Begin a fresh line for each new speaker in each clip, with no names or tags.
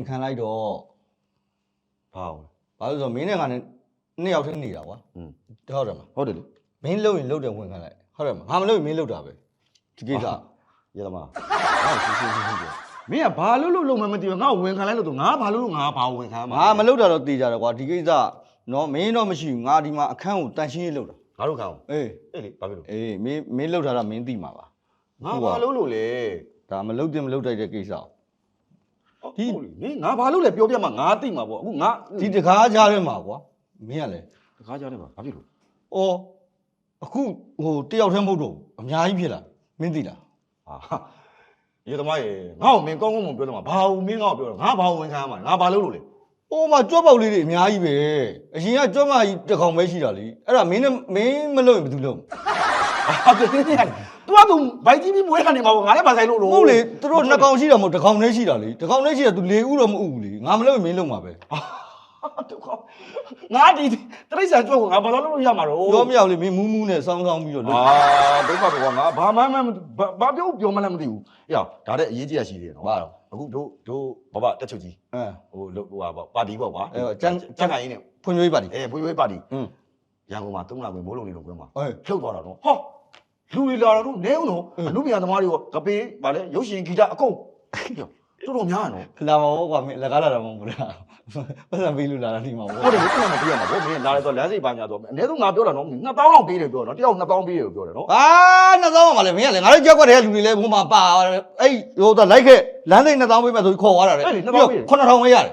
ခံလိုက်တော့ဘာလို့ဆိုမင်းနဲ့ငါနဲ့နှစ်ယောက်တည်းနေတာကွာဟုတ်တယ်မဟုတ်တယ်လေမင်းလှုပ်ရင်လှုပ်တယ်ဝင်ခံလိုက်ဟုတ်တယ်မငါမလှုပ်ရင်မင်းလှုပ်တာပဲဒီကိစ္စရသမား
မင်းကဘာလို့မသိဘူးငါ့ကိုဝင်ခံလိုက်လို့ငါဘာလို့ငါဘာဝင်ခံမှာ
ငါမလှုပ်တာတော့တေးကြတယ်ကွာဒီကိစ္စနော်မင်းတော့မရှိဘူးငါဒီမှာအခန်းကိုတန်ရှင်းရေးလှုပ်တာ
ငါတို့ခံအောင်
အေး
လေဘာဖြစ်လို့
အေးမင်းလှုပ်တာတော့မင်းသိမှာပါ
ငါဘာလို့လေ
ဒါမလှုပ်တင်မလှုပ်တိုက်တဲ့ကိစ္စ
ဒီမင်းငါဘာလို့လဲပြောပြမှာငါသိမှာပေါ့အခုငါ
ဒီတကားကြားထဲမှာကွာမင်းကလည်း
တကားကြားထဲမှာဘာဖြစ်လို့
အော်အခုဟိုတယောက်တည်းမဟုတ်တော့အများကြီးဖြစ်လာမင်းသိလား
ဟာရေသမားရေငါ့ကိုမင်းကောင်းကောင်းမပြောတော့မှာဘာလို့မင်းငါ့ကိုပြောတော့ငါဘာဝင်ခံမှာငါဘာလို့လဲ
အိုးမကြွက်ပေါက်လေးတွေအများကြီးပဲအရင်ကကြွက်မကြီးတစ်ကောင်ပဲရှိတာလေအဲ့ဒါမင်းမလို့ရင်ဘယ်သူလို့
ဟာတင်းတင်းရတယ်သူကသူဘိုက်ကြီးပြီးမွေးခံနေမှာပေါ့ငါလည်းမဆိုင်လို့လို့
ဟုတ်လေသူတို့နှစ်ကောင်ရှိတာမဟုတ်တစ်ကောင်နဲ့ရှိတာလေတစ်ကောင်နဲ့ရှိတာသူ၄ဦးတော့မဥဘူးလေငါမလို့ရင်မင်းလုံးမှာပဲ
ငါဒီတရိတ်ဆန်ကြွက်ကိုငါဘာလို့လို့ရမှာတော့
ပြောမရလေမင်းမူးနဲ့စောင်းပြီးတော့
လို့ဒုက္ခပေါ့ငါဘာမှဘာပြောမှလည်းမသိဘူးအေးဒါတဲ့အရေးကြီးတာရှိသေးတယ်နော်
ဘာတော့
အခုတို့ဘဘတက်ချုပ်ကြီးဟိုဟာပေါ့ပါတီပေါ့ကွာ
ကျန်းခိုင်ရင်းနဲ့ဖွံ့ဖြိုးရေးပါတီ
ဖွံ့ဖြိုးရေးပါတီရန်ကုန်မှာ3လဝင်မိုးလုံးနေလို့ပြောမှာဖြုတ်သွားတာနော်ဟောလူတွေလာတော့နဲဦးနော်အမှုပြန်သမားတွေကကပေးဗာလဲရုပ်ရှင်ဂီတအကုန်တော်တော်များနော်
လာမှာပေါ့ကွာမင်းလက်ကားလာတာမဟုတ်ဘူးလားပတ်စံပေးလို့လာတာဒီမှာပေါ့
ဟုတ်တယ်ဘယ်မှာပေးရမှာပေါ့မင်းလာလဲဆိုလမ်းစိတ်ပါညာဆိုအနည်းဆုံးငါပြောတာနော်2000လောက်ပေးတယ်ပြောနော်တယောက်2000ပေးတယ်ပြောတယ်နော်
ဟာ2000ပါလေမင်းကလေငါတို့ကြောက်ခွက်တဲ့လူတွေလည်းဘုံမှာပါအဲ့ဟိုတော့လိုက်ခဲ့လမ်းစိတ်2000ပေးမယ်ဆိုခေါ်သွားတာလေ9000ပဲရတယ်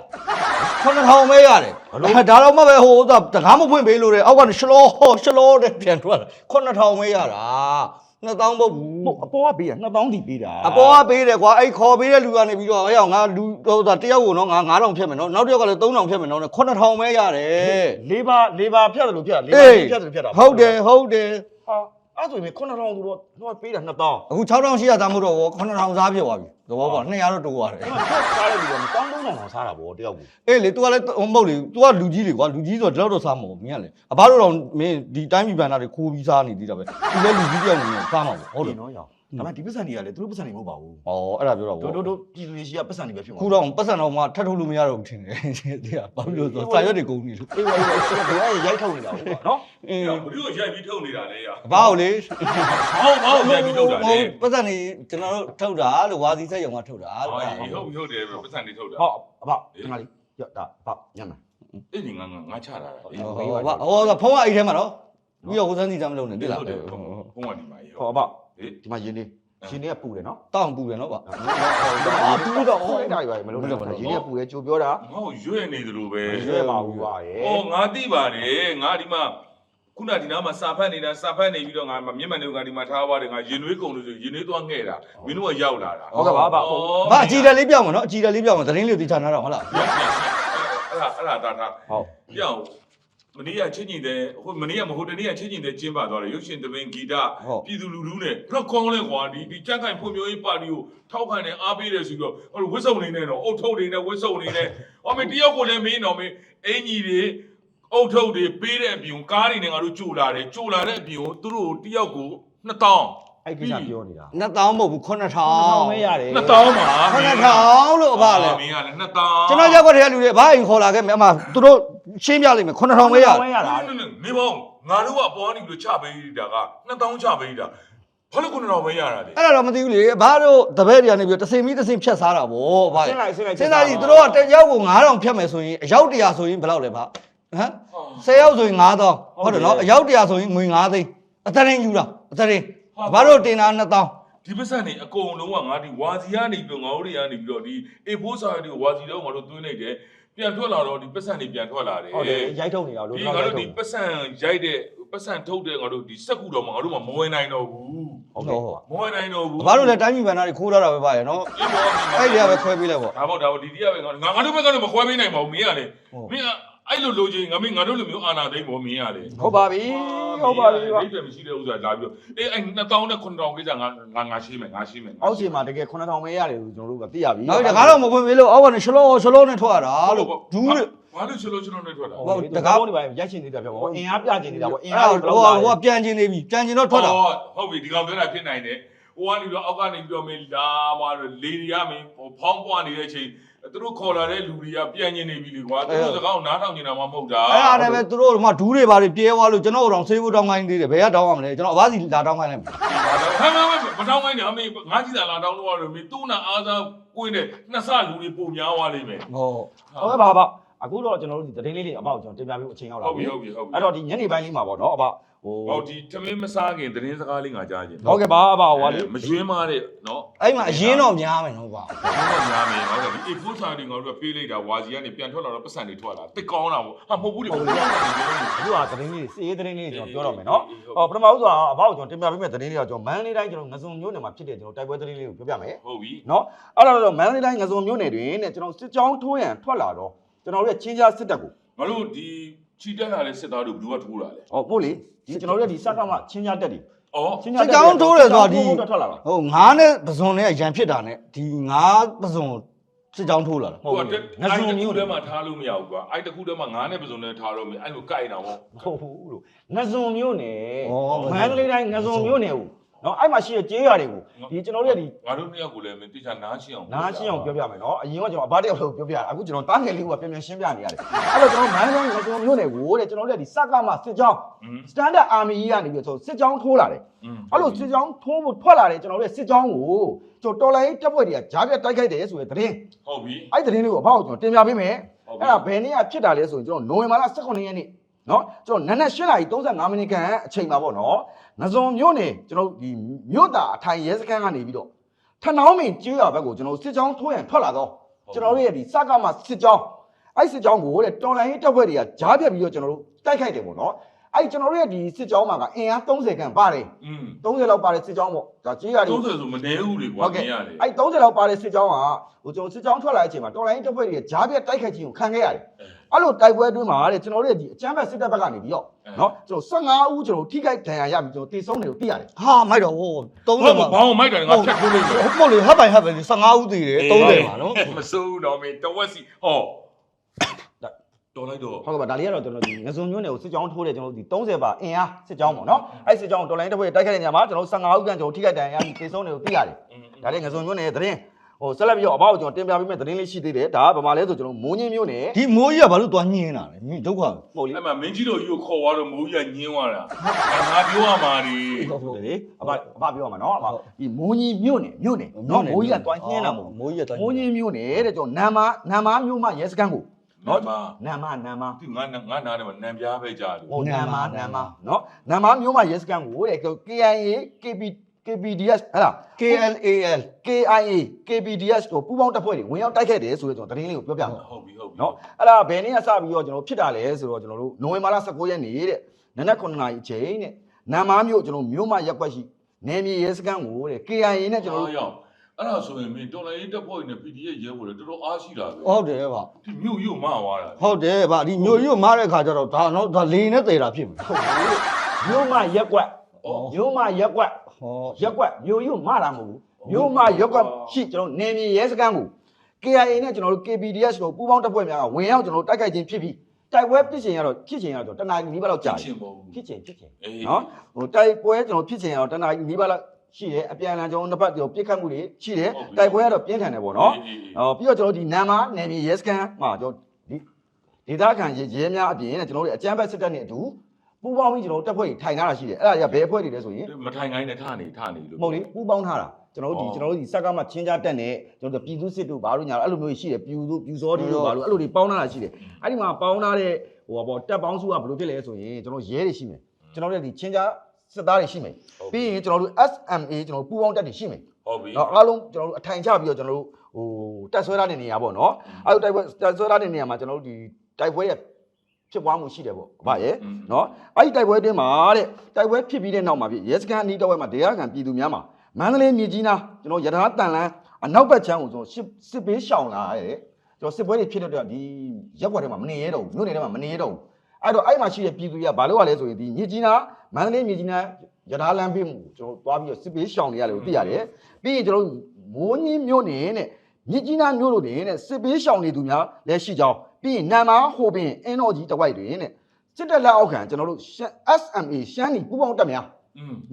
9000ပဲရတယ်ဒါတော့မှပဲဟိုတကားမဖွင့်ပေးလို့တဲ့အောက်ကနေရှလောတဲ့ပြန်ထွက်တာ9000ပဲရတာ2000ပုတ်ဘူး
အပေါ်ကပေးတာ2000တီပေးတာ
အပေါ်ကပေးတယ်ကွာအဲ့ခေါ်ပေးတဲ့လူကနေပြီးတော့ဟဲ့ငါလူဟိုတယောက်ကိုနော်ငါ9000ဖြတ်မယ်နော်နောက်တစ်ယောက်ကလည်း3000ဖြတ်မယ်နော်9000ပဲရတယ်
လေးပါဖြတ်တယ်လို့ဖြတ်လေးပါဖြတ်တယ်ဖြတ်တာ
ဟုတ်တယ်ဟာ
အဲ့ဆိုရင်9000သူတော့ပေးတာ2000
အခု6800သားမို့တော့9000စားဖြစ်သွားပြီသဘောပေါက်200တော့တိုးသွားတယ်
စားတဲ့လူက1300စားတာဗောတယောက်ကို
အေးလေ तू ကလည်းမဟုတ်လေ तू ကလူကြီးလေကွာလူကြီးဆိုတော့ဒီလောက်တော့စားမှာမင်းကလေအဘတို့တော့မင်းဒီတိုင်းပြည်ဘန်တာတွေခိုးပြီးစားနေသေးတာပဲ तू လည်းလူကြီးတယောက်နေစားမှာပေါ့ဟုတ်တယ်
နော်ရောဒါမှဒီပတ်စံတွေကလည်းသူတို့ပတ်စံတွေမဟုတ်ပါဘူး
ဩအဲ့ဒါပြောတော့ဗော
တို့ပြည်သူတွေရှိကပတ်စံတွေပဲဖြစ်မှာ
ခုတော့ပတ်စံတော့မှထပ်ထုတ်လို့မရတော့ဘူးထင်တယ်တဲ့ဘာလို့လဲဆိုစာရွက်တွေကုန်နေလို့
အေးရိုက်ထုတ်နေတာဟုတ်ပါနော်
အေးဘယ်လိုရိုက်ပြီးထုတ်နေတာလဲရ
ဘာလို့လေ
ဟုတ်ရိုက်ပြီးထုတ်တာလေ
ပတ်စံတွေကျွန်တော်တို့ထုတ်တာလို့ဝါစီဆက်ရုံကထုတ်တာ
လို့ဟုတ်တယ်ပတ်စံတွေထုတ်တာ
ဟုတ်အဘဒီမှာလေးရောဒါဘညမ်း
အေးဒီငါချတာ
အေးဟောဖုန်းကအိတ်ထဲမှာနော်ပြီးတော့ဟိုစမ်းစီစမ်းမလုပ်နဲ့တိလား
ဖုန်းကဒီမှာ
ဟောအဘဒီမှာရင်းနေရှင်တွေကပူတယ်နော်
တောင်းပူတယ်နော်ဗျ
ပူတော့ဟိုအဲ့ဒါကြီးပဲမလုပ်နဲ့ရှင်တွေကပူတယ်ကြိုပြောတာ
ငါ့ကိုရွဲ့နေသလိုပဲ
ရွဲ့ပါဘူးပါရဲ့
ဩငါသိပါတယ်ငါဒီမှာခုနဒီနားမှာစာဖတ်နေတာစာဖတ်နေပြီးတော့ငါမျက်မှန်တွေကဒီမှာထားပါတယ်ငါရင်နွေးကုန်လို့ဆိုရင်နွေးသွားငဲ့တာမင်းတို့ကရောက်လာတာ
ဟုတ်ကဲ့ပါ
ဘာအကြည်တယ်လေးပြောင်းမနော်အကြည်တယ်လေးပြောင်းမသတင်းလေးသိချာနာတော့ဟုတ်လား
အဲ့ဒါတာဟုတ်ပြောင်းမနေ့ကချင်းကြီးတဲ့ဟိုမနေ့ကမဟုတ်တနေ့ကချင်းကြီးတဲ့ကျင်းပသွားတယ်ရုပ်ရှင်သဘင်ဂီတပြည်သူလူထုနဲ့ဘလောက်ကောင်းလဲကွာဒီကြက်ခိုင်ဖွံ့ဖြိုးရေးပါတီကိုထောက်ခံတယ်အားပေးတယ်ဆိုပြီးတော့ဟိုဝစ်စုံနေနဲ့တော့အုတ်ထုတ်တွေနဲ့ဝစ်စုံနေနဲ့ဟောမင်းတယောက်ကိုလည်းမင်းတော့မင်းအင်ကြီးတွေအုတ်ထုတ်တွေပေးတဲ့အပြင်ကားတွေနဲ့ငါတို့ကြိုလာတယ်ကြိုလာတဲ့အပြင်ကိုသူတို့တယောက်ကို2000
အဲ့ကိစ္စပြောနေတာ
2000မဟုတ်ဘူး
9000ပဲရတယ်
2000ပါ
9000လို့အဖလည်း
မင်းကလည်း2000
ကျွန်တော်ရောက်တဲ့လူတွေဘာအိမ်ခေါ်လာခဲ့မယ်အမသူတို့ရှင်းပြလိမ့်မယ်9000ပဲရတယ်
နေပေါင်းငါတို့ကအပေါ်ကနေပြီးတော့ချပေးတာက2000ချပေးတာဘာလို့9000ပဲရတာလဲ
အဲ့ဒါတော့မသိဘူးလေဘာတို့တပည့်တွေကနေပြီးတော့တစင်ပြီးတစင်ဖြတ်စားတာဗော
ဘာလဲ
စဉ်းစားကြည့်သူတို့ကတယောက်ကို9000ဖြတ်မယ်ဆိုရင်အယောက်100ဆိုရင်ဘယ်လောက်လဲဗျဟမ်10ယောက်ဆိုရင်9000ဟုတ်တယ်နော်အယောက်100ဆိုရင်ငွေ9သိန်းအတရင်ယူတာအတရင်ဘာတို့တင်တာ2000
ဒီပတ်စံနေအကုန်လုံးကငါဒီဝါစီကနေပြီးတော့ငါတို့တွေကနေပြီးတော့ဒီ A4 စာရီတွေကိုဝါစီတော့ငါတို့သွင်းလိုက်တယ်ပြန်ထွက်လာတော့ဒီပတ်စံတွေပြန်ထွက်လာတယ်
ဟုတ်တယ်ရိုက်ထုတ်နေတာလို့
ဒီငါတို့ဒီပတ်စံရိုက်တဲ့ပတ်စံထုတ်တဲ့ငါတို့ဒီစက်ကူတော့ငါတို့မှမဝင်နိုင်တော့ဘူး
ဟုတ်ကဲ့
မဝင်နိုင်တော့ဘူး
ဘာလို့လဲတိုင်းပြည်ဗန်နာတွေခိုးထားတာပဲပါရနော်အဲ့ဒီကပဲခွဲပေးလိုက်ပေါ့
ဒါပေါ့ဒီတည်းကပဲငါတို့ဘက်ကတော့မခွဲပေးနိုင်ပါဘူးမင်းကလေမင်းကအဲ့လိုလိုချင်ငါတို့လိုမျိုးအာနာသိမ့်ပေါ်မင်းရလေ
ဟုတ်ပါပြီဟုတ်ပါပြီ
အိတ်တယ်မရှိတဲ့ဥစ္စာလာပြီးတော့အေးအဲ့2000နဲ့9000ကိစ္စငါရှင်းမယ်
အောက်ခြေမှာတကယ်9000ပဲရတယ်လို့ကျွန်တော်တို့ကသိရပြီ
ဟုတ်တယ်ဒါကတော့မဖွင့်ပေးလို့အောက်ကနေရှလောနဲ့ထွက်ရတာလို့ဒူးလို့
ဘာလို့ရှလောနဲ့ထွက်တာ
ဟုတ်တကားတွေပါရိုက်ချင်နေတာပြောပေါ့အင်အားပြချင်နေတာပေါ့အင်အား
ဟိုကပြန်ချင်နေပြီပြန်ချင်တော့ထွက်တာ
ဟုတ်ပြီဒီကောင်ပြောတာဖြစ်နိုင်တယ်ဟဟိုကနေပြီးတော့အောက်ကနေပြီးတော့မင်းလာမှာလေရမင်းဟိုဖောင်းပွားနေတဲ့အချိန်သူတို့ခေါ်လာတဲ့လူတွေကပြန်ညင်နေပြီလေကွာသူတို့စကားကိုနားထောင်နေတာမှမဟုတ်တာ
အဲ့ဒါလည်းပဲသူတို့ကဒူးတွေပါတွေပြဲသွားလို့ကျွန်တော်တို့တောင်ဆေးဖို့တောင်းခိုင်းသေးတယ်ဘယ်ကတောင်းရမလဲကျွန်တော်အဘစီလာတောင်းခိုင်းလိုက်မယ်
ဟမ်မတောင်းခိုင်းနေအမေငါကြည့်တာလာတောင်းလို့ရလို့မင်းသူ့နာအားစားကိုင်းတဲ့နှစ်ဆလူတွေပုံများသွားလိမ့်မယ်
ဟုတ်ကဲ့ပါအခုတော့ကျွန်တော်တို့ဒီသတင်းလေးတွေအပေါ့ကျွန်တော်တင်ပြပေးအချိန်ရောက်လာပြီအဲ့တော့ဒီညနေပိုင်းလေးမှာပေါ့နော်အပေါ့
ဟိုဒီသမင်းမစားခင်သတင်းစကားလေးငါကြားခြင်း
ဟုတ်ကဲ့ပါအပေါ့ဟိုလေ
မရွှင်းမတဲ့နော်
အဲ့မှာအရင်တော့များမယ်နော်ဗျာ
တော့များမယ်ဟုတ်တယ်ဒီ A4 စာတွေငါတို့ကပေးလိုက်တာဝါစီကနေပြန်ထွက်လာတော့ပတ်စံတွေထွက်လာတစ်ကောင်းတာပေါ့ဟာမဟုတ်ဘူးလေဟုတ်တယ်
အခုကသတင်းလေးစီးရေးသတင်းလေးကျွန်တော်ပြောတော့မယ်နော်ဟောပထမဦးဆုံးအပေါ့ကျွန်တော်တင်ပြပေးမယ့်သတင်းလေးကကျွန်တော်မန်းလေးတိုင်းကျွန်တော်ငစုံမျိုးနယ်မှာဖြစ်တဲ့ကျွန်တော်တိုက်ပွဲသတင်းလေးကိုပြောပြမယ်
ဟုတ်ပြီ
နော်အဲ့တော့မန်းလေးတိုင်းငစုံမျိုးနယ်တွင်တဲ့ကျွန်တော်စစ်ကြောင်းထိုးရန်ထွက်လာတော့ကျွန်တော်တို့ရဲ့ချင်းကြားစစ်တပ်ကို
ငါတို့ဒီချီတက်လာတဲ့စစ်သားတို့ဘယ်သူကထိုးတာလဲ
ဟုတ်ပို့လေဒီကျွန်တော်တို့ရဲ့ဒီစကားမှချင်းကြားတက်တယ်
အော်
စစ်ကြောင်းထိုးတယ်ဆိုတာဒီ
ထွက်လာတာ
ဟုတ်ငါးနဲ့ပစုံနဲ့ရန်ဖြစ်တာနဲ့ဒီငါးပစုံစစ်ကြောင်းထိုးလာတာ
ဟုတ်ကဲ့ငါစုံမျိုးထဲမှာထားလို့မရဘူးကွာအဲ့တခုထဲမှာငါးနဲ့ပစုံနဲ့ထားတော့မယ်အဲ့လိုကြိုက်တာပေါ့
ဟုတ်ဘူးလို့ငစုံမျိုးနယ်မန္တလေးတိုင်းငစုံမျိုးနယ်ကိုနော်အဲ့မှာရှိတဲ့ကျေးရွာတွေကိုဒီကျွန်တော်တို့ရဲ့ဒီ
ငါတို့နှစ်ယောက်ကိုလည်းမင်းတိကျနားရှင်းအောင်
နားရှင်းအောင်ပြောပြမယ်နော်အရင်ကကျွန်တော်အဘတယောက်လို့ပြောပြတာအခုကျွန်တော်တားငယ်လေးကပြန်ပြန်ရှင်းပြနေရတယ်အဲ့တော့ကျွန်တော်မန္တလေးငစုံမျိုးနယ်ကိုတဲ့ကျွန်တော်တို့ရဲ့ဒီစကားမှစစ်ကြောင်း standard army ကြီးကနေပြီးတော့စစ်ကြောင်းထိုးလာတယ်အဲ့လိုစစ်ကြောင်းထိုးဖို့ထွက်လာတယ်ကျွန်တော်တို့ရဲ့စစ်ကြောင်းကိုကျွန်တော်တော်လိုင်းတပ်ဖွဲ့တွေကဂျားပြတ်တိုက်ခိုက်တယ်ဆိုတဲ့သတင်း
ဟုတ်ပြီ
အဲ့သတင်းလေးကိုအဖောက်ကျွန်တော်တင်ပြပေးမယ်အဲ့ဒါဘယ်နေ့ကဖြစ်တာလဲဆိုရင်ကျွန်တော်နိုဝင်ဘာလ18ရက်နေ့နော်ကျွန်တော်နနက်8:35မိနစ်ခန့်အချိန်ပါပေါ့နော်ငစုံမြို့နယ်ကျွန်တော်ဒီမြို့သားအထိုင်ရဲစခန်းကနေပြီးတော့ထဏောင်းမင်းကျေးရွာဘက်ကိုကျွန်တော်စစ်ကြောင်းထိုးရန်ထွက်လာတော့ကျွန်တော်တို့ရဲ့ဒီစကားမှစစ်ကြောင်းအဲ့စစ်ကြောင်းကိုတဲ့တော်လိုင်းတပ်ဖွဲ့တွေကဂျားပြတ်ပြီးတော့ကျွန်တော်တို့တိုက်ခိုက်တယ်ပေါ့နော်အဲ့ကျွန်တော်တို့ရဲ့ဒီစစ်ကြောင်းမှာကအင်အား30ခန့်ပါတယ်30လောက်ပါတဲ့စစ်ကြောင်းပေါ့ဒါကြေးရတယ်
30ဆိုမနေဘူးလေကွာမင်းရတယ်
အဲ့30လောက်ပါတဲ့စစ်ကြောင်းကဟိုကျွန်တော်စစ်ကြောင်းထွက်လာတဲ့အချိန်မှာတော်လိုင်းတပ်ဖွဲ့တွေကဂျားပြတ်တိုက်ခိုက်ခြင်းကိုခံခဲ့ရတယ်အဲ့လိုတိုက်ပွဲအတွင်းမှာတဲ့ကျွန်တော်တို့ရဲ့ဒီအချမ်းဘက်စစ်တပ်ဘက်ကနေပြီးတော့နော်ကျွန်တော်15ဦးကျွန်တော်ထိခိုက်ဒဏ်ရာရပြီးကျွန်တော်တေဆုံးတယ်လို့သိရတယ်
ဟာမိုက်တော့ဟို30မှာ
ဘောင်းမိုက်တယ်ငါဖြတ်ထိုးလိုက်မယ်
ဟုတ်မို့လေဟပ်ပိုင်ဟပ်ပဲ15ဦးတည်တယ်30မှာနော်
မစိုးတော့မင်းတဝက်စီဟောတော်လိုက်တော့
ဟုတ်ကဲ့ပါဒါလေးကတော့ကျွန်တော်ဒီငစုံမျိုးနယ်ကိုစစ်ကြောင်းထိုးတယ်ကျွန်တော်ဒီ30ပါအင်အားစစ်ကြောင်းပေါ့နော်အဲ့စစ်ကြောင်းတော်လိုင်းတပ်ဖွဲ့တိုက်ခိုက်တဲ့နေရာမှာကျွန်တော်15ဦးခန့်ကျွန်တော်ထိခိုက်ဒဏ်ရာရပြီးတေဆုံးတယ်လို့သိရတယ်ဒါလေးငစုံမျိုးနယ်သတင်းဟိုဆက်လက်ပြီးတော့အဘောက်ကျွန်တော်တင်ပြပေးမယ့်သတင်းလေးရှိသေးတယ်ဒါကဗမာလဲဆိုကျွန်တော်မိုးညင်းမျိုးနယ်
ဒီမိုးကြီးကဘာလို့သွားညင်းတာလဲဒုက္ခ
ဟုတ်လေ
အဲ့မှာမင်းကြီးတို့ကြီးကိုခေါ်သွားတော့မိုးကြီးကညင်းသွားတာငါပြောရမှာဒီ
ဟုတ်တယ်လေအဘပြောရမှာနော်အဘဒီမိုးညင်းမျိုးနယ်နော်မိုးကြီးကတွားညင်းတာမဟုတ်
မိုးကြီးကတွား
မိုးညင်းမျိုးနယ်တဲ့ကျွန်တော်နမ်မာမျိုးမှရဲစခန်းကို
နော်
နမ်မာ
ဒီငါနားထဲမှာနံပြားပဲကြားတယ်
ဟိုနမ်မာနော်နမ်မာမျိုးမှရဲစခန်းကိုတဲ့ KIA KPDS ဟဲ့လား
KLAL
KIA KPDS တို့ပူးပေါင်းတပ်ဖွဲ့တွေဝင်ရောက်တိုက်ခဲ့တယ်ဆိုတော့ကျွန်တော်သတင်းလေးကိုပြောပြမှာ
ဟုတ်ပြီ
နော်အဲ့ဒါဘယ်နေ့ကစပြီးတော့ကျွန်တော်ဖြစ်တာလဲဆိုတော့ကျွန်တော်တို့နိုဝင်ဘာလ19ရက်နေ့တဲ့နနက်9နာရီအချိန်တဲ့နမ်မာမျိုးကျွန်တော်မျိုးမရက်ွက်ရှိနယ်မြေရဲစခန်းကိုတဲ့ KIA နဲ့ကျွန်တော်တို့
အဲ့ဒါဆိုရင်မင်းတော်လိုင်းတက်ဖို့နဲ့ PDF ရဲဖို့တော်တော်အားရှိတာပဲ
ဟုတ်တယ်ဗျ
ဒီမြို့ရုပ်မသွားတာ
ဟုတ်တယ်ဗျဒီမျိုးကြီးကိုမားတဲ့ခါကျတော့ဒါတော့ဒါလေနဲ့တည်တာဖြစ်မယ်
မျိုးမရက်ွက်မျိုးမရက်ွက်
ဟော
ရက်ွက်မျိုးကြီးမတာမဟုတ်ဘူးမျိုးမရက်ွက်ရှိကျွန်တော်နယ်မြေရဲစခန်းကို KIA နဲ့ကျွန်တော်တို့ KPDS တို့ပူးပေါင်းတပ်ဖွဲ့များကဝင်ရောက်ကျွန်တော်တို့တိုက်ခိုက်ခြင်းဖြစ်ပြီးတိုက်ပွဲဖြစ်ခြင်းကတော့တနာရီနီးပါးလောက်ကြာဖြစ်ခြင်းနော်ဟိုတိုက်ပွဲကျွန်တော်ဖြစ်ခြင်းကတော့တနာရီနီးပါးလောက်ရှိတယ်အပြန်အလှန်ကျွန်တော်နှစ်ဖက်ပြစ်ခတ်မှုတွေရှိတယ်တိုက်ပွဲကတော့ပြင်းထန်တယ်ပေါ့နော်ပြီးတော့ကျွန်တော်ဒီနမ်မာနယ်မြေရဲစခန်းမှာကျွန်တော်ဒီဒေသခံရဲများအပြင်နဲ့ကျွန်တော်တို့အကြမ်းဖက်စစ်တပ်နဲ့အတူပူးပေါင်းပြီးကျွန်တော်တို့တပ်ဖွဲ့တွေထိုင်ထားတာရှိတယ်အဲ့ဒါတွေကဘယ်အဖွဲ့တွေလဲဆိုရင်
မထိုင်ခိုင်းနဲ့ထနေလို့
မဟုတ်လေပူးပေါင်းထားတာကျွန်တော်တို့ဒီစက်ကမှချင်းကြားတက်နေကျွန်တော်တို့ပြည်သူစစ်တို့ဘာလို့ညာအဲ့လိုမျိုးရှိတယ်ပြူစောတီတို့ဘာလို့အဲ့လိုတွေပေါင်းထားတာရှိတယ်အဲ့ဒီမှာပေါင်းထားတဲ့ဟိုပေါ့တက်ပေါင်းစုကဘယ်လိုဖြစ်လဲဆိုရင်ကျွန်တော်ရဲတွေရှိမယ်ကျွန်တော်တို့ဒီချင်းကြားစစ်သားတွေရှိမယ်ပြီးရင်ကျွန်တော်တို့ SMA ကျွန်တော်ပူးပေါင်းတက်တွေရှိမယ်
ဟုတ်ပြီ
နော်အားလုံးကျွန်တော်တို့အထိုင်ချပြီးတော့ကျွန်တော်တို့ဟိုတက်ဆွဲထားတဲ့နေရာပေါ့နော်အဲ့လိုတိုက်ပွဲတက်ဆွဲထားတဲ့နေရာမှာကျွန်တော်တို့ဒီတိုက်ပွဲရဲ့ဖြစ်ပွားမှုရှိတယ်ပေါ့ဗျာရဲ့နော်အဲ့ဒီတိုက်ပွဲအတွင်းမှာတဲ့တိုက်ပွဲဖြစ်ပြီးတဲ့နောက်မှာဖြစ်ရဲစခန်းအနီးတစ်ဝက်မှာဒေသခံပြည်သူများမှာမန္တလေးမြို့ကြီးနားကျွန်တော်ရထားတန်လန်းအနောက်ဘက်ချမ်းကိုကျွန်တော်စစ်ပေးရှောင်လာရတယ်ကျွန်တော်စစ်ပွဲတွေဖြစ်တော့ဒီရက်ွက်ထဲမှာမနေရတော့ဘူးမြို့နယ်ထဲမှာမနေရတော့ဘူးအဲ့တော့အဲ့မှာရှိတဲ့ပြည်သူတွေကဘာလို့ရလဲဆိုရင်ဒီမြို့ကြီးနားမန္တလေးမြို့ကြီးနားရထားလမ်းပေးမှုကျွန်တော်သွားပြီးတော့စစ်ပေးရှောင်နေရတယ်လို့သိရတယ်ပြီးရင်ကျွန်တော်မိုးကြီးမြို့နယ်နဲ့မြစ်ကြီးနားမြို့တို့တင်တဲ့စစ်ပေးရှောင်နေသူများလည်းရှိကြောင်းပြီးရင်နမ်မာဟိုပင်အင်းတော်ကြီးတဝိုက်တွင်တဲ့စစ်တပ်လက်အောက်ခံကျွန်တော်တို့ SMA ရှမ်းနီပူပေါင်းတပ်များနော်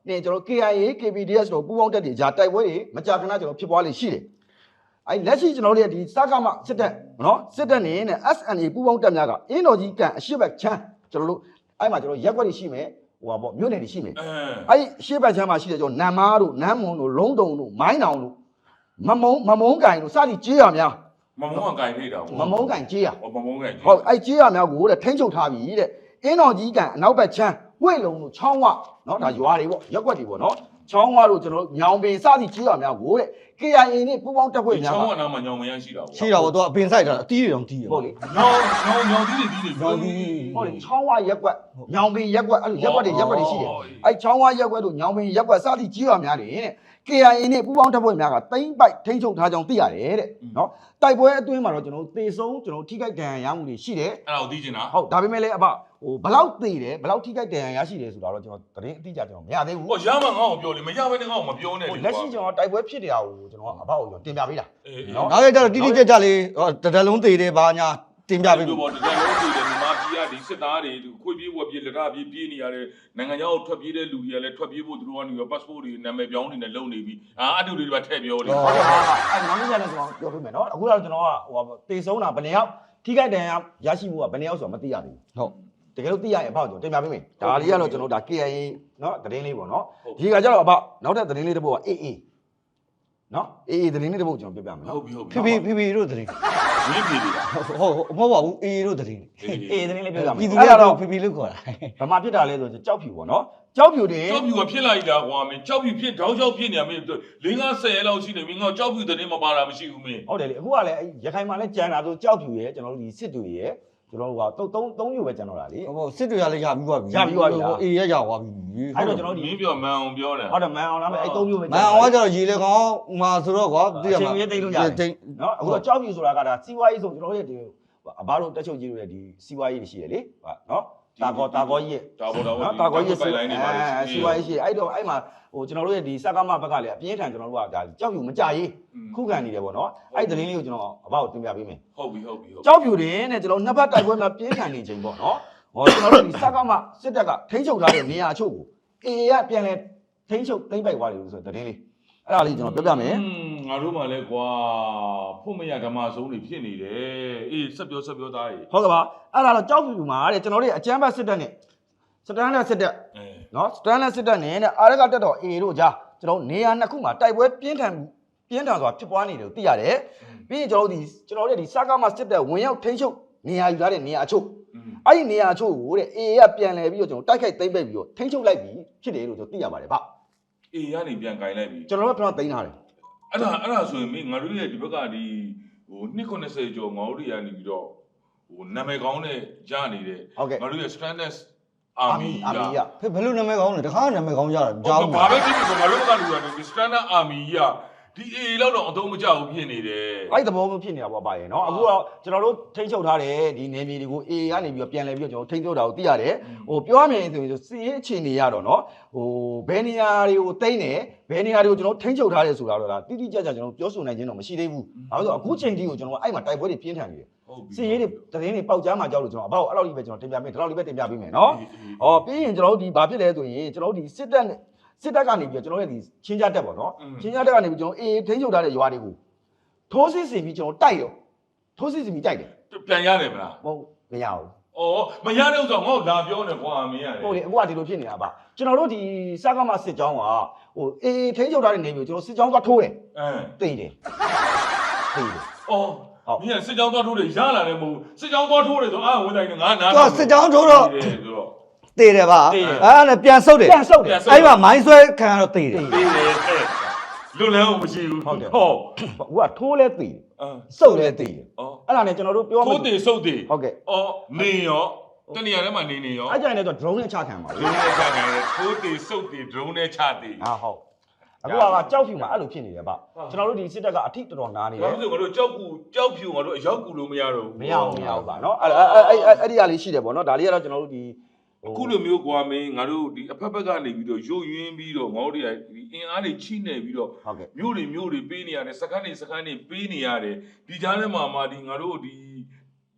နဲ့ကျွန်တော် KIA KPDS တို့ပူးပေါင်းတက်တွေဂျာတိုက်ပွဲတွေမကြာခဏကျွန်တော်ဖြစ်ပွားလေရှိတယ်အဲ့လက်ရှိကျွန်တော်တို့ရဲ့ဒီစကားမစစ်တပ်နော်စစ်တပ်နေနဲ့ SNA ပူးပေါင်းတက်များကအင်းတော်ကြီးကန်အရှိဘက်ချမ်းကျွန်တော်တို့အဲ့မှာကျွန်တော်ရက်ွက်တွေရှိမယ်ဟိုပါပေါ့မြို့နယ်တွေရှိမယ်အဲ့အရှိဘက်ချမ်းမှာရှိတယ်ကျွန်တော်နမ်မားတို့နမ်းမွန်တို့လုံးတုံတို့မိုင်းတောင်တို့မမုံကန်တို့စသည်ကြေးရများ
မမုံကန်ထိတာ
မမုံကန်ကြေးရ
မမုံကန်
ဟုတ်အဲ့ကြေးရများကိုတဲ့ထိန်းချုပ်ထားပြီတဲ့အင်းတော်ကြီးကန်အနောက်ဘက်ချမ်းဝိတ်လုံးတို့ချောင်းဝနော်ဒါရွာတွေပေါ့ရက်ွက်တွေပေါ့နော်ချောင်းဝါတို့ကျွန်တော်ညောင်ပင်စသည်ကြီးရများကိုတဲ့ KIA နဲ့ပူးပေါင်းတက်ဖွဲ့များ
ချောင်းဝါနာမှာညောင်မရရှိတာပေါ့
ရှိတာပေါ့သူကအပင်ဆိုင်တာအတီးတွေတောင်တီးရ
ဟုတ်လေ
ညောင်တီးတွေ
ဟုတ်လေချောင်းဝါရက်ွက်ညောင်ပင်ရက်ွက်အဲ့လိုရက်ွက်တွေရှိတယ်အဲ့ချောင်းဝါရက်ွက်တို့ညောင်ပင်ရက်ွက်စသည်ကြီးရများတယ်တဲ့ KIA နဲ့ပူးပေါင်းတက်ဖွဲ့များကတိမ့်ပိုက်ထိန်းချုပ်ထားကြောင်းသိရတယ်တဲ့နော်တိုက်ပွဲအတွင်းမှာတော့ကျွန်တော်သေဆုံးကျွန်တော်ထိခိုက်ဒဏ်ရာရမှုတွေရှိတယ်
အဲ့ဒါကိုသိချင်တာ
ဟုတ်ဒါပေမဲ့လည်းအဘဟိုဘလောက်သေတယ်ဘလောက်ထိခိုက်ဒဏ်ရာရရှိတယ်ဆိုတာတော့ကျွန်တော်သတင်းအတိအကျကျွန်တော်မရသေးဘူး
ဟောရမှငါ့ကိုပြောလေမရဘဲနဲ့ငါ့ကိုမပြောနဲ့လေ
လက်ရှိကျွန်တော်တိုက်ပွဲဖြစ်နေတာကိုကျွန်တော်အဘကိုတင်ပြပေးတာ
နော်နောက်ကြတော့တိတိကျကျလေးတဒလုံးသေးတယ်ဘာညာတင်ပြပေး
လို့ပေါ့တဒလုံးသေးတယ်မြန်မာပြည်ကဒီစစ်သားတွေခွေပြေးဝက်ပြေးလက်ရပြေးပြေးနေရတယ်နိုင်ငံခြားကိုထွက်ပြေးတဲ့လူတွေကလည်းထွက်ပြေးဖို့သူတို့ကနေရော passport တွေနာမည်ပြောင်းနေနဲ့လုံနေပြီအတူတွေပါထည့်ပြောတယ်
ဟုတ်ကဲ့အဲ့နောက်နေ့ကျရင်ကျွန်တော်ပြောပေးမယ်နော်အခုတော့ကျွန်တော်ကဟိုတေဆုံးတာဘယ်နှစ်ယောက်ထိခိုက်ဒဏ်ရာရရှိမှုကဘယ်နှစ်ယောက်ဆိုတော့မသိရဘူးဟုတ်တကယ်လို့သိရရင်အဖေကျွန်တော်တင်ပြပေးမယ်ဒါလေးကတော့ကျွန်တော်ဒါ KIA နော်သတင်းလေးပေါ့နော်ဒီကကြတော့အဖေနောက်ထပ်သတင်းလေးတစ်ပုဒ်က AA နော် AA သတင်းလေးတစ်ပုဒ်ကျွန်တော်ပြပြမယ်နော်
ဟုတ်ပြီ
ဖေဖေတို့သတင်း
မင်းဖေဖေလား
ဟုတ်မဟုတ်ပါဘူး AA တို့သတင်း
AA သတင်းလေးပြပြမယ်
ပြည်သူတွေကတော့ဖေဖေလို့ခေါ်တာ
ဘာမှဖြစ်တာလဲဆိုကြောက်ဖြူပေါ့နော်ကြောက်ဖြူတင်
ကြောက်ဖြူကဖြစ်လာပြီလားကွာမင်းကြောက်ဖြူဖြစ်တောင်းကြောက်ဖြစ်နေရမင်း၄50ရက်လောက်ရှိနေမင်းကကြောက်ဖြူသတင်းမပါတာမရှိဘူးမင်း
ဟုတ်တယ်လေအခုကလည်းရခိုင်မှာလည်းကြံတာဆိုကြောက်ဖြူရဲ့ကျွန်တော်တို့ဒီစစ်တွေရဲ့ကျွန်တော်တို့က3မျိုးပဲကျန်တော့တာလေ
ဟုတ်စစ်တွေကလည်းရပြီးသွားပြီ
ရပြီးသွားပြီ
အေးရရသွားပြီ
အဲ့တော့ကျွန်တော်မင်းပြောမန်အောင်ပြောတယ်
ဟုတ်တယ်မန်အောင်လားအဲ့3မျိုးပဲ
မန်အောင်ကကျတော့ရေလေကောင်းမှာဆိုတော့ကွာ
သိရမှာအချိန်ကြီးတိတ်လို့ရတယ်နော်အခုတော့ကြောက်ဖြူဆိုတာကဒါစီးပွားရေးဆိုကျွန်တော်တို့ရဲ့ဒီအဘတို့တက်ချုပ်ကြီးတို့ရဲ့ဒီစီးပွားရေးတွေရှိရလေဟုတ်နော်တာကောကြီးရဲ့
တာ
ကောကြီးရဲ့စီးပွားရေးရှိအဲ့တော့အဲ့မှာဟိုကျွန်တော်တို့ရဲ့ဒီစကားမဘက်ကလည်းအပြင်းထန်ကျွန်တော်တို့ကဒါကြောက်ဖြူမကြရေးခုခံနေတယ်ပေါ့နော်အဲ့သတင်းလေးကိုကျွန်တော်အဘကိုတင်ပြပေးမယ်
ဟုတ်ပြီ
ကြောက်ဖြူတင်တဲ့ကျွန်တော်နှစ်ဖက်တိုက်ပွဲမှာပြင်းထန်နေချိန်ပေါ့နော်ဟောကျွန်တော်တို့ဒီစကားမစစ်တပ်ကထိန်းချုပ်ထားတဲ့နေရာအချို့ကို AA ကပြန်လဲထိန်းချုပ်သိမ်းပိုက်သွားတယ်လို့ဆိုသတင်းလေးအဲ့ဒါလေးကျွန်တော်ပြောပြမယ်
ငါတို့မှလည်းကွာဖို့မရဓမ္မဆုံးတွေဖြစ်နေတယ်အေးဆက်ပြောသားကြီး
ဟုတ်ကဲ့ပါအဲ့ဒါတော့ကြောက်ဖြူမှာတဲ့ကျွန်တော်တို့အကြမ်းဖက်စစ်တပ်နဲ့စတန်လက်စစ်တပ်နော်စတန်လက်စစ်တပ်နဲ့အာရကတက်တော် AA တို့ကြားကျွန်တော်နေရာနှစ်ခုမှာတိုက်ပွဲပြင်းထန်စွာဖြစ်ပွားနေတယ်လို့သိရတယ်ပြီးရင်ကျွန်တော်တို့ဒီစကားမစစ်တပ်ဝင်ရောက်ထိန်းချုပ်နေရာယူထားတဲ့နေရာအချို့အဲ့ဒီနေရာအချို့ကိုတဲ့ AA ကပြန်လဲပြီးတော့ကျွန်တော်တိုက်ခိုက်သိမ်းပိတ်ပြီးတော့ထိန်းချုပ်လိုက်ပြီဖြစ်တယ်လို့ကျွန်တော်သိရပါတယ်ဗျ
အေးကနေပြန်ကင်လိုက်ပြီ
ကျွန်တော်တို့ကတော့သိမ်းထားတယ်
အဲ့ဒါဆိုရင်မင်းငါတို့ရဲ့ဒီဘက်ကဒီဟို290ကျော်ငါတို့တွေကနေပြီးတော့ဟိုနာမည်ကောင်းနဲ့ရနေတဲ့ငါတို့ရဲ့ Stranded Army
က
ဘယ်လိုနာမည်ကောင်းလဲတခါနာမည်ကောင်းကြတာ
ကြားဘူးဘာပဲဖြစ်ဖြစ်ငါတို့ကလူကနေ Stranded Army ကဒီ AA လောက်တော့အသုံးမကျဘူးဖြစ်နေတယ်
အဲ့သဘောမျိုးဖြစ်နေတာပေါ့ပါရဲ့เนาะအခုတော့ကျွန်တော်တို့ထိန်းချုပ်ထားတဲ့ဒီနယ်မြေတွေကို AA ကနေပြီးတော့ပြန်လဲပြီးတော့ကျွန်တော်ထိန်းချုပ်တာကိုသိရတယ်ဟိုပြောရမယ်ဆိုရင်စီးရေးအခြေအနေရတော့เนาะဟိုဘယ်နေရာတွေကိုတိမ့်တယ်ဘယ်နေရာတွေကိုကျွန်တော်ထိန်းချုပ်ထားတယ်ဆိုတာတော့ဒါတိတိကျကျကျွန်တော်ပြောဆိုနိုင်ခြင်းတော့မရှိသေးဘူးဘာလို့ဆိုအခုချိန်ထိကိုကျွန်တော်အဲ့မှာတိုက်ပွဲတွေပြင်းထန်နေတယ်စီးရေးတွေသတင်းတွေပေါက်ကြားမှာကြောက်လို့ကျွန်တော်အဘောက်အဲ့လောက်ကြီးပဲကျွန်တော်တင်ပြပေးဒီလောက်လေးပဲတင်ပြပေးမယ်เนาะဟောပြီးရင်ကျွန်တော်တို့ဒီဘာဖြစ်လဲဆိုရင်ကျွန်တော်တို့ဒီစစ်တပ်ကနေပြီးတော့ကျွန်တော်ရဲ့ဒီချင်းကြတက်ပေါ့နော်ချင်းကြတက်ကနေပြီးကျွန်တော်အေးထိန်းချုပ်ထားတဲ့ရွာတွေကိုထိုးစစ်ဆင်ပြီးကျွန်တော်တိုက်တော့ထိုးစစ်ဆင်ပြီးတိုက်တယ်
ပြန်ရတယ်မလား
ဟုတ်မရဘူး
ဩမရတဲ့ဥစ္စာငါ့ကိုလာပြောနေကွာမင်းရတယ်
ဟုတ်လေအခုကဒီလိုဖြစ်နေတာပါကျွန်တော်တို့ဒီစကားမစစ်ကြောင်းကဟိုအေးထိန်းချုပ်ထားတဲ့နေမျိုးကျွန်တော်စစ်ကြောင်းသွားထိုးတယ်တိတ်တယ်
ဩမင်းစစ်ကြောင်းသွားထိုးတယ်ရလာတယ်မဟုတ်စစ်ကြောင်းသွားထိုးတယ်ဆိုအာဝင်တိုင်းငါနာ
တော့စစ်ကြောင်းထိုးတော့တေးတယ်ပါအဲ့ဒါပြန်ဆုပ်တယ်အဲ့မှာမိုင်းဆွဲခံရတော့တေးတယ်
လွတ်လန်းအောင်မရှိဘူး
ဟုတ်ဟိုကထိုးလဲတေးဆုပ်လဲတေးအဲ့ဒါနဲ့ကျွန်တော်တို့ပြော
ထိုးတေးဆုပ်တေး
ဟုတ်ကဲ့
နေရောတနေရာထဲမှာနေရော
အဲ့ကြိုင်လည်းတော့ drone နဲ့ချခံပါဘူး
drone နဲ့ချခံတယ်ထိုးတေးဆုပ်တေး drone နဲ့ချတေး
ဟုတ်အခုကကြောက်ဖြူမှာအဲ့လိုဖြစ်နေတယ်ဗျကျွန်တော်တို့ဒီစစ်တပ်ကအထိတော်တော်နားနေတယ်
ဘာလို့ဆိုငါတို့ကြောက်ဖြူငါတို့အရောက်ကူလို့မရတော့ဘူး
မရဘူးဗျเนาะအဲ့ဒီကလေးရှိတယ်ပေါ့เนาะဒါလေးကတော့ကျွန်တော်တို့ဒီ
အခုလိုမျိုးကွာမင်းငါတို့ဒီအဖက်ဖက်ကနေပြီးတော့ရုပ်ရင်းပြီးတော့ငါတို့တွေကဒီအင်အားတွေချိနေပြီးတော့မြို့တွေပေးနေရတယ်စခန်းတွေပေးနေရတယ်ဒီကြားထဲမှာဒီငါတို့ဒီ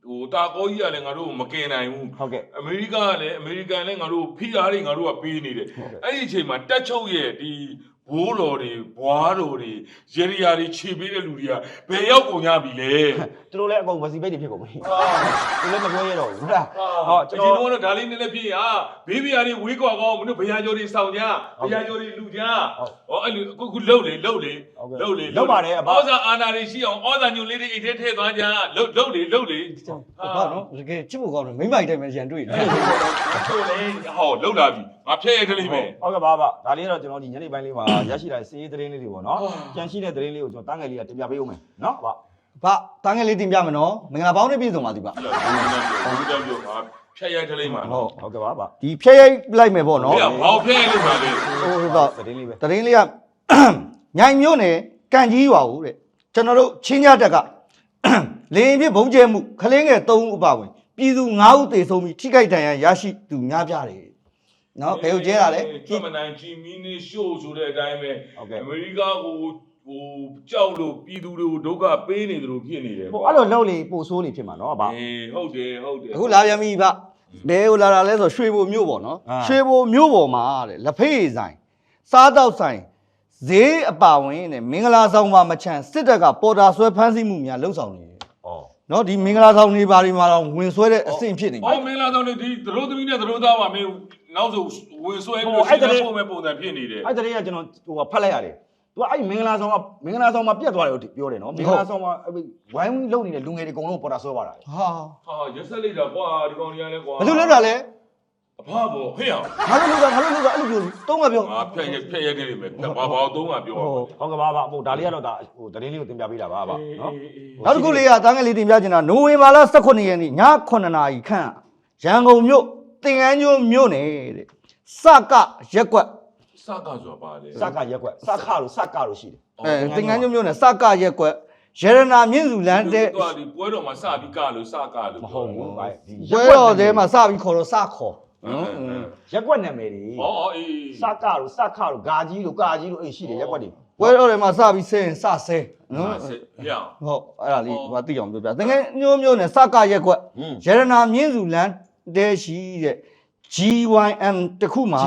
ဟိုတာကောကြီးကလည်းငါတို့မကင်နိုင်ဘူး
ဟုတ်ကဲ့
အမေရိကကလည်းအမေရိကန်လည်းငါတို့ဖိအားတွေငါတို့ကပေးနေတယ်အဲ့ဒီအချိန်မှာတက်ချုပ်ရဲ့ဒီဘိုးတော်တွေဘွားတော်တွေရေရီယာတွေခြေပေးတဲ့လူတွေကဘယ်ရောက်ကုန်ကြပြီလဲ
သူတို့လည်းအကုန်ဝစီပိတ်တွေဖြစ်ကုန်ပြီသူလည်းမပြောရတော့ဘူးဟုတ်လား
ဟောကျွန်တော်တို့ဒါလေးနည်းနည်းပြည့်ဟာဘေးဘီယာတွေဝေးကွာကောင်းမင်းတို့ဗျာကျော်တွေစောင့်ကြဗျာကျော်တွေလူကြဟောအဲ့လိုအခုလှုပ်လေဩဇာအာဏာတွေရှိအောင်ဩဇာညွန့်လေးတွေအိတ်ထဲထည့်သွားကြလှုပ်လေ
ဘာနော်တကယ်ချစ်ဖို့ကောင်းတယ်မိမိုက်တိုင်းပဲရန်တွေ့တယ်
ဟုတ်လေဟောလှုပ်လာပြီငါဖျက်ရိုက်ကလေးပဲ
ဟုတ်ကဲ့ပါဒါလေးတော့ကျွန်တော်ဒီညနေပိုင်းလေးမှာရရှိလာစေးသတင်းလေးတွေပေါ့နော်ကြံရှိတဲ့သတင်းလေးကိုကျွန်တော်တန်းငယ်လေးကတင်ပြပေးဦးမယ်နော်ဗျ
ဘာတန်းငယ်လေးတင်ပြမယ်နော်မင်္ဂလာပေါင်းနဲ့ပြည့်စုံပါသည်ဗျ
ဟုတ်တယ်ပြောငါဖျက်ရိုက်ကလေးမှာ
ဟုတ်ကဲ့ပါ
ဒီဖျက်ရိုက်လိုက်မယ်ပေါ့နော်
ဟေ့ဘာဖျက်ရိုက်လို့ပါလေ
ဟိုတော့
သတင်းလေးပဲ
တရင်လေးကညိုင်မျိုးနဲ့ကန်ကြီးရွာဦးတဲ့ကျွန်တော်တို့ချင်းညတက်ကလေရင်ပြဘုံကျဲမှုခလင်းငယ်3ဦးအပါဝင်ပြည်သူ9ဦးသေဆုံးပြီးထိခိုက်ဒဏ်ရာရရှိသူများပြားတယ်နော်ဘယ်ကိုကျဲတာလဲ
ကျွတ်မနိုင်ဂျီမီနီရှိုးဆိုတဲ့အတိုင်းပဲအမေရိကကိုဟိုကြောက်လို့ပြည်သူတွေကိုဒုက္ခပေးနေတယ်လို့ဖြစ်နေတယ်
ဟိုအဲ့လိုလှုပ်လေပို့ဆိုးနေဖြစ်မှာနော်ဗျ
အေးဟုတ်တယ်
အခုလာပြန်ပြီဗျဘယ်ကိုလာတာလဲဆိုရွှေဘိုမြို့ပေါ့နော်ရွှေဘိုမြို့ပေါ်မှာတဲ့လက်ဖေးဆိုင်စားတောက်ဆိုင်ဈေးအပါဝင်တဲ့မင်္ဂလာဆောင်မှာမချမ်းစစ်တပ်ကပေါ်တာဆွဲဖမ်းဆီးမှုများလှုပ်ဆောင်နေတယ်နော်ဒီမင်္ဂလာဆောင်နေပါဒီမှာတော့ဝင်ဆွဲတဲ့အဆင့်ဖြစ်နေပြီ
ဟောမင်္ဂလာဆောင်နေဒီသရိုးသမီးနဲ့သရိုးသားပါမင်းနောက်ဆိုဝင်ဆွဲပြီးတော့ရှင်းတဲ့ပုံမဲ့ပုံစံဖြစ်နေတယ်
အဲ့တည်းကကျွန်တော်ဟိုဖတ်လိုက်ရတယ်သူကအဲ့မင်္ဂလာဆောင်မှာပြတ်သွားတယ်လို့ပြောတယ်နော်မင်္ဂလာဆောင်မှာဝိုင်းလုံနေတဲ့လူငယ်တွေအကုန်လုံးပေါ်တာဆွဲသွားတာ
ဟာ
ရက်ဆက်လိုက်တာကွာဒီကောင်ကြီးကလည်းကွာ
ဘယ်လိုလုပ်တာလဲ
အဖဘောဟဲ့အောင်
ငါတို့လုပ်တာအဲ့လိုပြောတုံးကပြော
ငါဖျက်ရိုက်ခဲ့လိမ့်မယ်ဘာသုံးကပြောပါ
ဟုတ်ကဲ့ပါဟိုဒါလေးကတော့ဒါဟိုသတင်းလေးကိုတင်ပြပေးတာပါနော်
နောက်တစ်ခုလေးကတန်းငယ်လေးတင်ပြချင်တာနိုဝင်ဘာလ18ရက်နေ့ည9:00နာရီခန့်ရန်ကုန်မြို့တင်ကန်းကျွန်းမြို့နယ်တဲ့စကရက်ကွက်
စကဆိုတာပါလေ
စကရက်ကွက်စကလို့ရှိတယ်
တင်ကန်းကျွန်းမြို့နယ်စကရက်ကွက်ရတနာမြင့်စုလမ်းတဲ့
သူကဒီပွဲတော်မှာစပြီးကလို့စကလို့
မဟုတ်ဘူးဗျဒီ
ပွဲတော်ထဲမှာစပြီးခေါ်တော့စခေါ်
ရက်ကွက်နာမည်တွေ
ဟောအေး
စကလို့ဂါကြီးလို့ကာကြီးလို့အဲ့ရှိတယ်ရက်ကွက်တွေ
ပွဲတော်ထဲမှာစပြီးဆဲရင်စဆဲနော်
ဟဲ့အောင်
ဟုတ်အဲ့ဒါလေးဟိုသိအောင်ပြောပြတင်ကန်းကျွန်းမြို့နယ်စကရက်ကွက်ရတနာမြင့်စုလမ်းတဲ့ရှိတဲ့ GYM တခုမှာ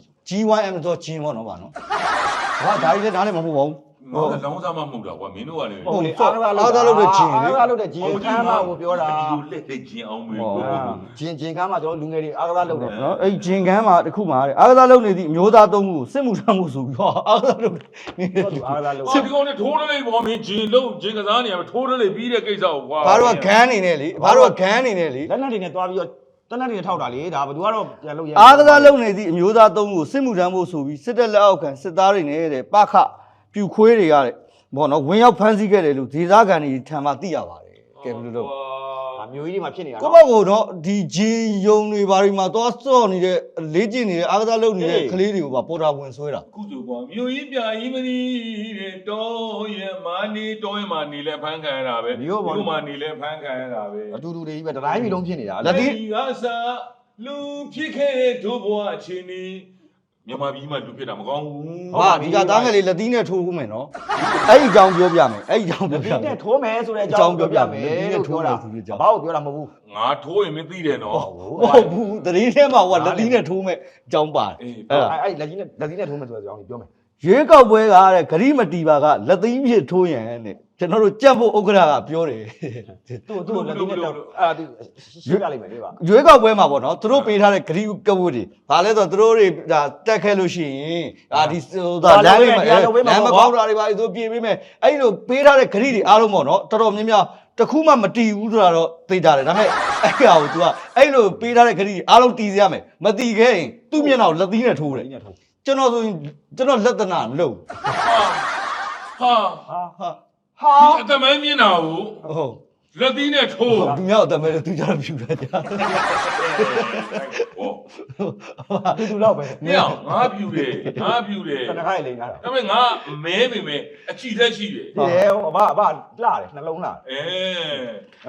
GYM ဆိုဂျင်းပေါ့နော်ဗျာနော်ဟာဒါကြီးလည်းနားလည်းမဟုတ်ပါဘူး
ဟောလောင်းစားမှမဟုတ်တာကွာမင်းတို့ကလည်း
ဟုတ်လေအားသားလုပ်တဲ့ဂျင်းခမ်းမှာကိုပြောတာ
ဒီလိုလက်လက်ဂျင်းအောင်မေး
ဂျင်းခမ်းမှာကျွန်တော်လူငယ်တွေအားသားလုပ်တယ်
နော်အဲ့ဂျင်ကန်းမှာတခုမှာတဲ့အားကစားလုပ်နေသည့်အမျိုးသားသုံးခုကိုစစ်မှုထမ်းမှုဆိုပြီးတော့အားကစားလုပ်နေ
သူအားသားလုပ်
ဒီကောင်နဲ့ထိုးရလေးပေါ့မင်းဂျင်းလုံးဂျင်းကစားနေရမယ်ထိုးရလေးပြီးတဲ့ကိစ္စကိုကွာ
ဘာတို့ကဂန်းနေနဲ့လေဘာတို့ကဂန်းနေနဲ့လေ
လက်နက်တွေနဲ့တွားပြီးတော့တနက်တွေထောက်တာလေဒါဘယ်သူကတော့ပြန်လုပ်ရ
အားကစားလုပ်နေသည့်အမျိုးသားသုံးခုကိုစစ်မှုထမ်းမှုဆိုပြီးစစ်တပ်လက်အောက်ခံစစ်သားတွေနဲ့တဲ့ပခပြူခွေးတွေကတဲ့ဘောနော်ဝင်ရောက်ဖမ်းဆီးခဲ့တယ်လို့ဒေသခံတွေထံမှသိရပါတယ်ကဲဘယ်လိုလုပ်
မျိုးကြီးတွေမှာဖြစ်နေတာ
ကိုယ့်ဘက်ကတော့ဒီဂျင်ယုံတွေဘာတွေမှာသွားစော့နေတဲ့လေးကျင်နေတဲ့အားကစားလုပ်နေတဲ့ကလေးတွေကိုပါပေါ်တာဝင်ဆွဲတာ
ကုစုကွာမြို့ကြီးပြကြီးမနီးတဲ့တောရမာနီတောရမာနီလဲဖမ်းခံရတာပဲမြို့မာနီလဲဖမ်းခံရတာပဲ
အတူတူတွေကြီးပဲတတိုင်းပြည်လုံးဖြစ်နေတာ
လက်ဒီကစားလူဖြစ်ခဲ့တဲ့ဒုဘဝအချင်းနီးမြန်မာပြည်မှာလူဖြစ်တာမကောင်းဘူး
ဟာဒီကသားငယ်လေးလက်သီးနဲ့ထိုးဦးမယ်နော်အဲ့ဒီအကြောင်းပြောပြမယ်အဲ့ဒီအကြောင်းပြောပြ
ဒီ
မယ်
နဲ့ထိုးမယ်ဆိုတဲ့အကြောင်းပြောပြမယ်လို့ပြောတာဘာလို့ပြောတာမဟုတ်ဘူး
ငါထိုးရင်မသိတယ်နော်
ဟုတ်ဘူးတရင်ထဲမှာဟိုကလက်သီးနဲ့ထိုးမဲ့အကြောင်းပါတယ်
အဲ့လက်ကြီးနဲ့ထိုးမယ်ဆိုတဲ့အကြောင်းပြောမယ်
ရွေးကောက်ပွဲကတဲ့ဂရိမတီပါကလက်သီးဖြစ်ထိုးရန်တဲ့ကျွန်တော်တို့ကြက်ဖို့ဥက္ကရာကပြောတယ်
သူ့လက်ကြီးနဲ့အဲ့သူရှင်းပြလိုက်မယ်လေပါ
ရွေးကောက်ပွဲမှာပေါ့နော်သူတို့ပေးထားတဲ့ဂရိကဝတ်တွေဘာလဲဆိုတော့သူတို့တွေဒါတက်ခဲလို့ရှိရင်ဒီလမ်းလေးမှာလမ်းမကောက်တာတွေပါသူပြေးပေးမယ်အဲ့လိုပေးထားတဲ့ဂရိတွေအားလုံးပေါ့နော်တော်တော်များများတခုမှမတီးဘူးဆိုတာတော့သိကြတယ်ဒါပေမဲ့အဲ့ဟာကို तू ကအဲ့လိုပေးထားတဲ့ဂရိတွေအားလုံးတီးစေရမယ်မတီးခဲ့ရင်သူ့မျက်နှာကိုလက်သီးနဲ့ထိုးတယ်ကျွန်တော်ဆိုရင်ကျွန်တော်လက်သနာမလုပ်
ဟာ
ဟာ
အတမဲမြင်တာကို
ဟုတ်
လက်သီးနဲ့ထိုး
သူများအတမဲသူကြတော့ဖြူတာကြာ
ဟော
တူတော့ပဲ
ညောင်ငါပြူတယ်ငါပြူတယ်
တနခါလိန်လာတာ
ဒါပေမဲ့ငါမဲပေမဲ့အချီသက်ရှိတယ်
ဒီလေဘာလှတယ်နှလုံးလှ
အဲ
ဟမ်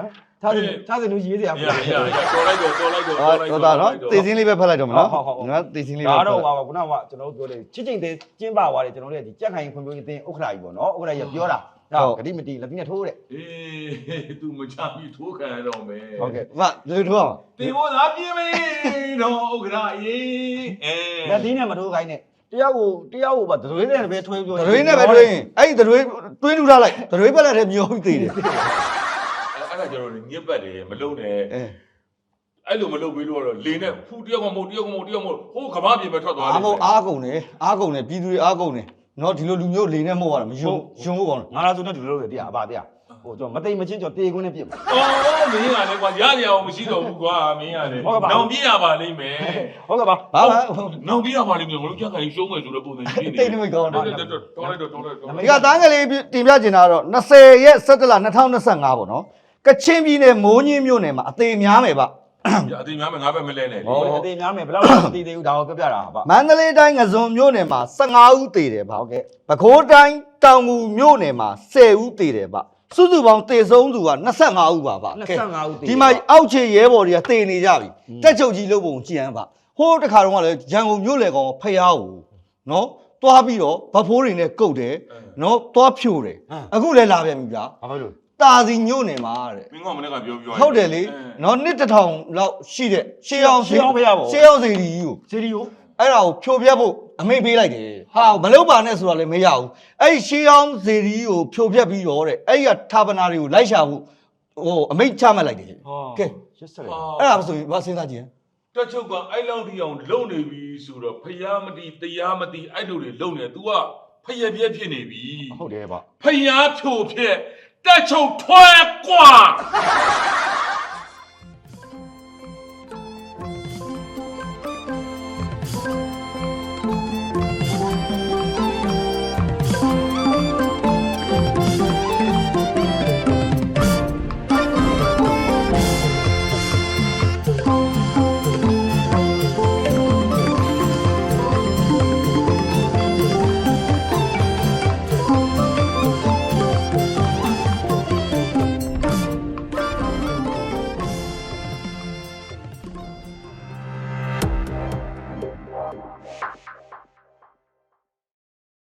ထားစလူရေးစရာ
ရတော်လိုက်တော့
ဟောဒါနော်တေးစင်းလေးပဲဖတ်လိုက်တော့မနော်နော်တေးစင်းလေးပဲ
ဒါတော့ပါခုနကကျွန်တော်တို့ပြောတယ်ချစ်ချင်းတဲ့ကျင်းပသွားတယ်ကျွန်တော်တို့ဒီကြက်ခိုင်ဖွံ့ဖြိုးရေးတင်ဥက္ခရာကြီးပေါ့နော်ဥက္ခရာကြီးပြောတာဂတိမတီလက်ပြင်းထိုးတဲ့
အေး तू မချပြီးထိုးခံရတော့မယ်
ဟုတ်ကဲ့
မလူထိုးအောင်
တေဘောသာပြင်းမေးတော့ဥက္ခရာအေး
လက်သီးနဲ့မထိုးခိုင်းနဲ့တယောက်ကိုပါဒရွေးနဲ့ပဲထွေးပြော
ဒရွေးနဲ့ပဲတွင်းအဲ့ဒီဒရွေးတွင်းထူထားလိုက်ဒရွေးပက်လက်ထဲမျောပြီးသေးတယ်
အဲ့ဒါကျွန်တော်ညစ်ပတ်တယ်မလုံးနဲ့အဲ့လိုမလုပ်ပြီးတော့လေနဲ့ဖူတယောက်ကမဟုတ်ဟိုကဘာပြေပဲထွက်သွားတယ်
အားကုန်တယ်ပြည်သူတွေအားကုန်တယ်နော်ဒီလိုလူမျိုးလေနဲ့မဟုတ်ရတာမယုံဖို့ကောင်းတယ်
ငါလာဆိုတော့ဒီလိုလုပ်တယ်တရားအပါတရားဟိုကျွန်တော်မသိမချင်းကျွန်တော်တေခွင်းနဲ့ပြစ်မှာ
အော်မင်းကလည်းကွာရရအောင်မရှိတော့ဘူးကွာမင်းကလည်းနောင်ပြရပါလိမ့်မယ်
ဟုတ်ကဲ့ပါ
ဘာလဲ
နောင်ပြရပါလိမ့်မယ်ငါတို့ကြက်ခိုင်ရှုံးမယ်ဆိုတဲ့ပုံစံကြီးနေ
တိတ်နေမကောင်း
တော်
တာ
လိုက်တော့
ဒီကတန်းကလေးတင်ပြချင်တာတော့20ရက်17လ2025ပေါ့နော်ကချင်ပြည်နယ်မိုးညင်းမြို့နယ်မှာအသေးများမယ်ဗျ
အသေးများမယ်ငါပဲမလဲနဲ့
ဟောအသေးများမယ်ဘယ်လောက်မသိသေးဘူးဒါကိုပြောပြတာပါ
မန္တလေးတိုင်းငစုံမြို့နယ်မှာ15ဦးသေတယ်ဗျဟုတ်ကဲ့ပဲခူးတိုင်းတောင်ငူမြို့နယ်မှာ10ဦးသေတယ်ဗျစုစုပေါင်းသေဆုံးသူက25ဦးပါဗျ
25ဦးသေ
ဒီမှာအောက်ခြေရဲဘော်တွေကသေနေကြပြီတက်ချုပ်ကြီးလုပ်ပုံကြည်ဟန်ဗျဟိုးတခါတော့ကလည်းရန်ကုန်မြို့လေကောင်ဖျားဦးနော်တွားပြီးတော့ဗဖိုးတွေနဲ့ကုတ်တယ်နော်တွားဖြိုတယ်အခုလည်းလာပြန်ပြီဗျာ
ဘာဖြစ်လို့
တာစီညို့နေမှာတဲ့
မင်းကမနေ့ကပြော
ဟုတ်တယ်လေနော်နှစ်တစ်ထောင်လောက်ရှိတဲ့ရှေးအောင်စီရီကြီးကို
စီရီယို
အဲ့ဒါကိုဖြိုပြတ်ဖို့အမိတ်ပေးလိုက်တယ်ဟာမလုပ်ပါနဲ့ဆိုတာလည်းမရဘူးအဲ့ရှေးအောင်စီရီကြီးကိုဖြိုပြတ်ပြီးတော့တဲ့အဲ့ဒီကဌာပနာတွေကိုလိုက်ရှာဖို့ဟိုအမိတ်ချမှတ်လိုက်တယ်ကဲ
ရစ်စက်
အဲ့ဒါဆိုရင်ဘာစဉ်းစားကြည့်
တက်ချုပ်ကအဲ့လောက်ဒီအောင်လုံနေပြီဆိုတော့ဖျားမတီတရားမတီအဲ့လိုတွေလုံနေ तू ကဖျက်ပြက်ဖြစ်နေပြီ
ဟုတ်တယ်ဗျ
ဖျားဖြိုဖြစ်တက်ချုပ်ထွဲကွာ